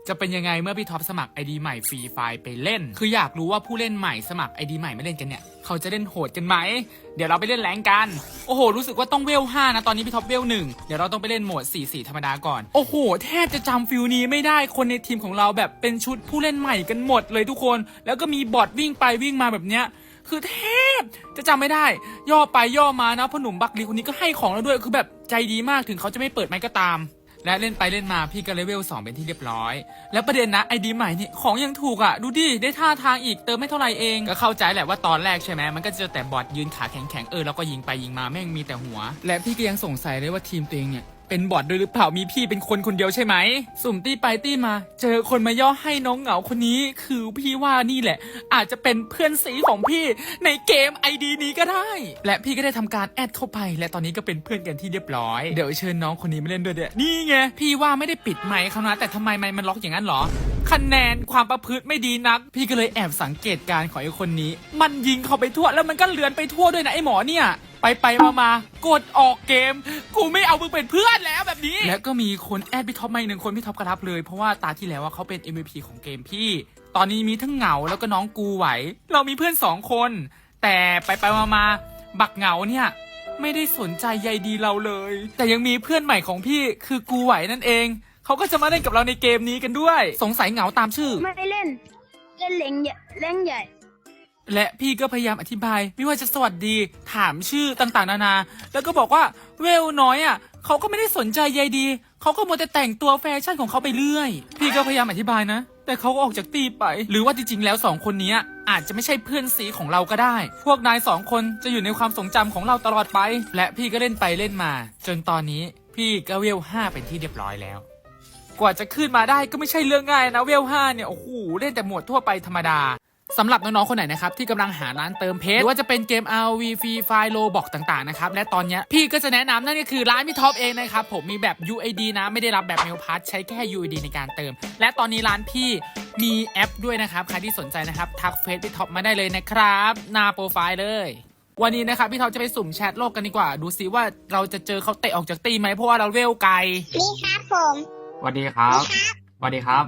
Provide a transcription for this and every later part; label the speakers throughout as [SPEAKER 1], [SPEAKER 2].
[SPEAKER 1] จะเป็นยังไงเมื่อพี่ท็อปสมัคร ID ใหม่ฟรีไฟล์ไปเล่นคืออยากรู้ว่าผู้เล่นใหม่สมัคร ID ใหม่ไม่เล่นกันเนี่ยเขาจะเล่นโหดกันไหมเดี๋ยวเราไปเล่นแรงกันโอ้โหรู้สึกว่าต้องเวล5นะตอนนี้พี่ท็อปเวล1เดี๋ยวเราต้องไปเล่นโหมด 4-4 ธรรมดาก่อนโอ้โหแทบจะจำฟิลนี้ไม่ได้คนในทีมของเราแบบเป็นชุดผู้เล่นใหม่กันหมดเลยทุกคนแล้วก็มีบอทวิ่งไปวิ่งมาแบบเนี้ยคือแทบจะจำไม่ได้ย่อไปย่อมานะพ่อหนุ่มบักลีคนนี้ก็ให้ของเราด้วยคือแบบใจดีมากถึงเขาจะไม่เปิดไมค์ก็ตามและเล่นไปเล่นมาพี่ก็เลเวล2เป็นที่เรียบร้อยแล้วประเด็นนะไอดีใหม่นี่ของยังถูกอ่ะดูดิได้ท่าทางอีกเติมไม่เท่าไหร่เองก็เข้าใจแหละว่าตอนแรกใช่ไหมมันก็จะแต่บอทยืนขาแข็งๆแล้วก็ยิงไปยิงมาแม่งมีแต่หัวและพี่ก็ยังสงสัยเลยว่าทีมตัวเองเนี่ยเป็นบอทด้วยหรือเปล่ามีพี่เป็นคนเดียวใช่ไหมสุ่มตี้ไปตี้มาเจอคนมาย่อให้น้องเหงาคนนี้คือพี่ว่านี่แหละอาจจะเป็นเพื่อนสีของพี่ในเกม ID นี้ก็ได้และพี่ก็ได้ทำการแอดเข้าไปและตอนนี้ก็เป็นเพื่อนกันที่เรียบร้อยเดี๋ยวเชิญน้องคนนี้มาเล่นด้วยเดี๋ยวนี่ไงพี่ว่าไม่ได้ปิดไมค์เขานะแต่ทำไมไมค์มันล็อกอย่างนั้นหรอคะแนนความประพฤติไม่ดีนักพี่ก็เลยแอบสังเกตการของไอ้คนนี้มันยิงเข้าไปทั่วแล้วมันก็เลือนไปทั่วด้วยนะไอ้หมอเนี่ยไปมากดออกเกมกูไม่เอามึงเป็นเพื่อนแล้วแบบนี้แล้วก็มีคนแอดพี่ท็อปมาอีกหนึ่งคนพี่ท็อปกระทับเลยเพราะว่าตาที่แล้วว่าเขาเป็น MVP ของเกมพี่ตอนนี้มีทั้งเหงาแล้วก็น้องกูไหวเรามีเพื่อน2คนแต่ไปมาบักเหงาเนี่ยไม่ได้สนใจใยดีเราเลยแต่ยังมีเพื่อนใหม่ของพี่คือกูไหวนั่นเองเขาก็จะมาเล่นกับเราในเกมนี้กันด้วยสงสัยเหงาตามชื่อ
[SPEAKER 2] ไม่เล่นเล้งใหญ่
[SPEAKER 1] และพี่ก็พยายามอธิบายไม่ว่าจะสวัสดีถามชื่อต่างๆนานาแล้วก็บอกว่าเวลน้อยอ่ะเขาก็ไม่ได้สนใจใยดีเขาก็มัวแต่แต่งตัวแฟชั่นของเขาไปเรื่อยพี่ก็พยายามอธิบายนะแต่เขาก็ออกจากตีไปหรือว่าจริงๆแล้ว2คนนี้อาจจะไม่ใช่เพื่อนสีของเราก็ได้พวกนาย2คนจะอยู่ในความทรงจำของเราตลอดไปและพี่ก็เล่นไปเล่นมาจนตอนนี้พี่ก็เวล5เป็นที่เรียบร้อยแล้วกว่าจะขึ้นมาได้ก็ไม่ใช่เรื่องง่ายนะเวล5เนี่ยโอ้โหเล่นแต่หมวดทั่วไปธรรมดาสำหรับน้องๆคนไหนนะครับที่กำลังหาร้านเติมเพชรหรือว่าจะเป็นเกม RV Free Fire Roblox ต่างๆนะครับและตอนนี้พี่ก็จะแนะนำนั่นก็คือร้านพี่ท็อปเองนะครับผมมีแบบ UID นะไม่ได้รับแบบ Mail Pass ใช้แค่ UID ในการเติมและตอนนี้ร้านพี่มีแอปด้วยนะครับใครที่สนใจนะครับทักเฟซพี่ท็อปมาได้เลยนะครับหน้าโปรไฟล์เลยวันนี้นะครับพี่ท็อปจะไปสุ่มแชทโลกกันดีกว่าดูซิว่าเราจะเจอเขาเตะออกจากตีไหมเพราะว่าเราเวลไกล
[SPEAKER 2] นี่ครับผม
[SPEAKER 1] สวัสดีครับสวัสดีครับ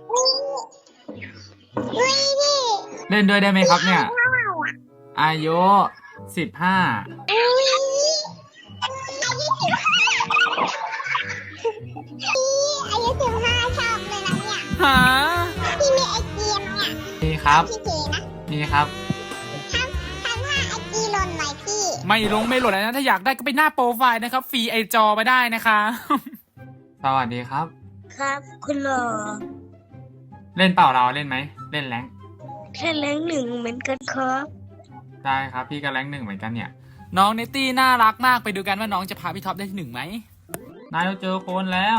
[SPEAKER 1] เล่นด้วยได้ไหมครับเนี่ยอายุ15
[SPEAKER 2] อายุ15ชอบเลยนะเนี่ย
[SPEAKER 1] หา
[SPEAKER 2] พี่มีไอจีไหมอ่ะ
[SPEAKER 1] มีครับ
[SPEAKER 2] พี่เจนะ
[SPEAKER 1] มีครับ
[SPEAKER 2] ทำว่าไอจีหล่นไหมพี่
[SPEAKER 1] ไม่ลงไม่หล่นนะถ้าอยากได้ก็ไปหน้าโปรไฟล์นะครับฟรีไอจอมาได้นะคะสวัสดีครับ
[SPEAKER 2] ครับคุณหล่อ
[SPEAKER 1] เล่นเปล่าเราเล่นไหมเล่นแรง
[SPEAKER 2] แค่แรง1เหมือนกันครับ
[SPEAKER 1] ได้ครับพี่ก็แรง1เหมือนกันเนี่ยน้องเนตตี้น่ารักมากไปดูกันว่าน้องจะพาพี่ท็อปได้ที่1ไหมนายเราเจอคนแล้ว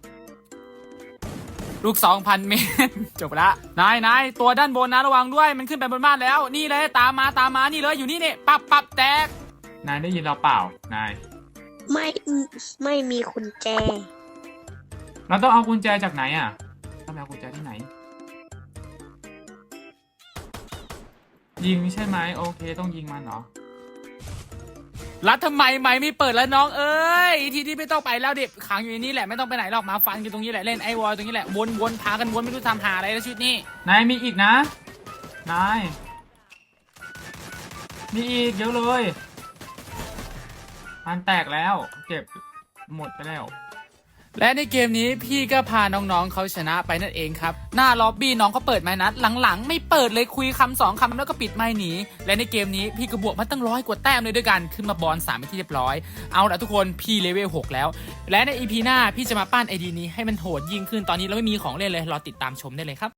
[SPEAKER 1] ลูก 2,000 เมตรจบละนายตัวด้านบนนะระวังด้วยมันขึ้นไปบนบ้านแล้วนี่เลยตามมานี่เลยอยู่นี่เนี่ยปับแตกนายได้ยินเราเปล่านาย
[SPEAKER 2] ไม่มีกุญแจ
[SPEAKER 1] เราต้องเอากุญแจจากไหนอ่ะต้องเอากุญแจที่ไหนยิงใช่ไหมโอเคต้องยิงมันเหรอรัดทำไมไม่เปิดแล้วน้องเอ้ยทีนี้ไม่ต้องไปแล้วเด็กขังอยู่ในนี้แหละไม่ต้องไปไหนหรอกมาฟันกันตรงนี้แหละเล่นไอวอลตรงนี้แหละวนพากันวนไม่รู้ทำหาอะไรแล้วชุดนี้นายมีอีกนะนายมีอีกเยอะเลยมันแตกแล้วเก็บหมดไปแล้วและในเกมนี้พี่ก็พาน้องๆเขาชนะไปนั่นเองครับหน้าล็อบบี้น้องก็เปิดไม้นัดหลังๆไม่เปิดเลยคุยคำ2 คำแล้วก็ปิดไม้หนีและในเกมนี้พี่ก็บวกมาตั้ง100 กว่าแต้มเลยด้วยกันขึ้นมาบอล3เป็นที่เรียบร้อยเอาละทุกคนพี่เลเวล6แล้วและใน EP หน้าพี่จะมาปั้น ID นี้ให้มันโหดยิ่งขึ้นตอนนี้เราไม่มีของเล่นเลยรอติดตามชมได้เลยครับ